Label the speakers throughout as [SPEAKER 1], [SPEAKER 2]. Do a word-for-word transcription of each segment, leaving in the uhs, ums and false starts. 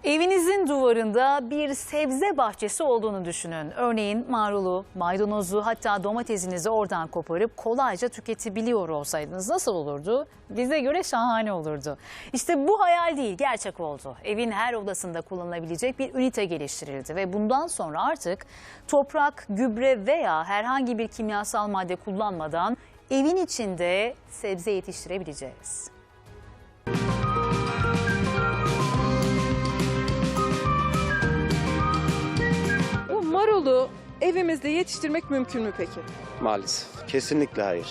[SPEAKER 1] Evinizin duvarında bir sebze bahçesi olduğunu düşünün. Örneğin marulu, maydanozu, hatta domatesinizi oradan koparıp kolayca tüketebiliyor olsaydınız nasıl olurdu? Bize göre şahane olurdu. İşte bu hayal değil, gerçek oldu. Evin her odasında kullanılabilecek bir ünite geliştirildi ve bundan sonra artık toprak, gübre veya herhangi bir kimyasal madde kullanmadan evin içinde sebze yetiştirebileceğiz.
[SPEAKER 2] Marulu evimizde yetiştirmek mümkün mü peki?
[SPEAKER 3] Maalesef. Kesinlikle hayır.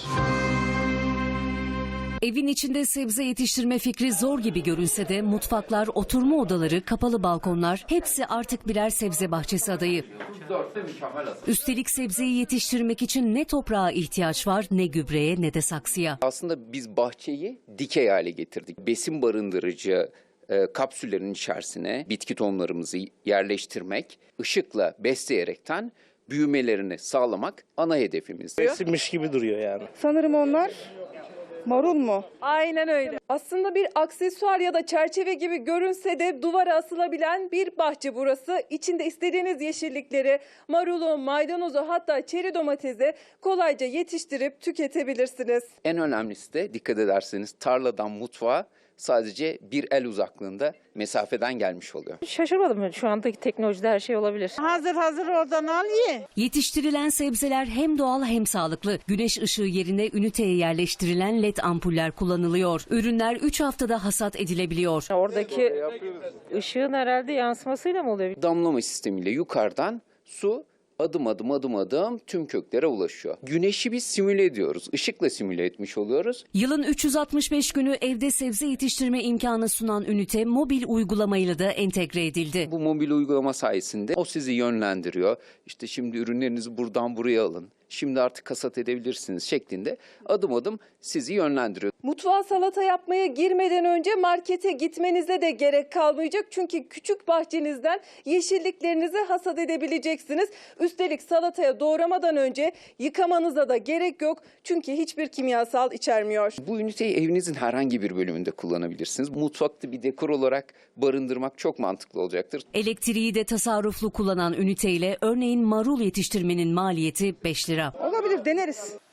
[SPEAKER 4] Evin içinde sebze yetiştirme fikri zor gibi görünse de mutfaklar, oturma odaları, kapalı balkonlar hepsi artık birer sebze bahçesi adayı. Üstelik sebzeyi yetiştirmek için ne toprağa ihtiyaç var, ne gübreye, ne de saksıya.
[SPEAKER 5] Aslında biz bahçeyi dikey hale getirdik. Besin barındırıcı e, kapsüllerin içerisine bitki tohumlarımızı yerleştirmek, ışıkla besleyerekten büyümelerini sağlamak ana hedefimiz.
[SPEAKER 3] Resimmiş gibi duruyor yani.
[SPEAKER 6] Sanırım onlar marul mu?
[SPEAKER 2] Aynen öyle. Aslında bir aksesuar ya da çerçeve gibi görünse de duvara asılabilen bir bahçe burası. İçinde istediğiniz yeşillikleri, marulu, maydanozu, hatta çeri domatesi kolayca yetiştirip tüketebilirsiniz.
[SPEAKER 5] En önemlisi de dikkat ederseniz tarladan mutfağa sadece bir el uzaklığında mesafeden gelmiş oluyor.
[SPEAKER 7] Şaşırmadım, şu andaki teknolojide her şey olabilir.
[SPEAKER 6] Hazır hazır oradan al ye.
[SPEAKER 4] Yetiştirilen sebzeler hem doğal hem sağlıklı. Güneş ışığı yerine üniteye yerleştirilen led ampuller kullanılıyor. Ürünler üç haftada hasat edilebiliyor.
[SPEAKER 7] Oradaki ışığın herhalde yansımasıyla mı oluyor?
[SPEAKER 5] Damlama sistemiyle yukarıdan su adım adım adım adım tüm köklere ulaşıyor. Güneşi biz simüle ediyoruz. Işıkla simüle etmiş oluyoruz.
[SPEAKER 4] Yılın üç yüz altmış beş günü evde sebze yetiştirme imkanı sunan ünite mobil uygulamayla da entegre edildi.
[SPEAKER 5] Bu mobil uygulama sayesinde o sizi yönlendiriyor. İşte şimdi ürünlerinizi buradan buraya alın. Şimdi artık hasat edebilirsiniz şeklinde adım adım sizi yönlendiriyor.
[SPEAKER 2] Mutfağa salata yapmaya girmeden önce markete gitmenize de gerek kalmayacak. Çünkü küçük bahçenizden yeşilliklerinizi hasat edebileceksiniz. Üstelik salataya doğramadan önce yıkamanıza da gerek yok. Çünkü hiçbir kimyasal içermiyor.
[SPEAKER 5] Bu üniteyi evinizin herhangi bir bölümünde kullanabilirsiniz. Mutfakta bir dekor olarak barındırmak çok mantıklı olacaktır.
[SPEAKER 4] Elektriği de tasarruflu kullanan üniteyle örneğin marul yetiştirmenin maliyeti beş lira.
[SPEAKER 6] Olabilir, deneriz.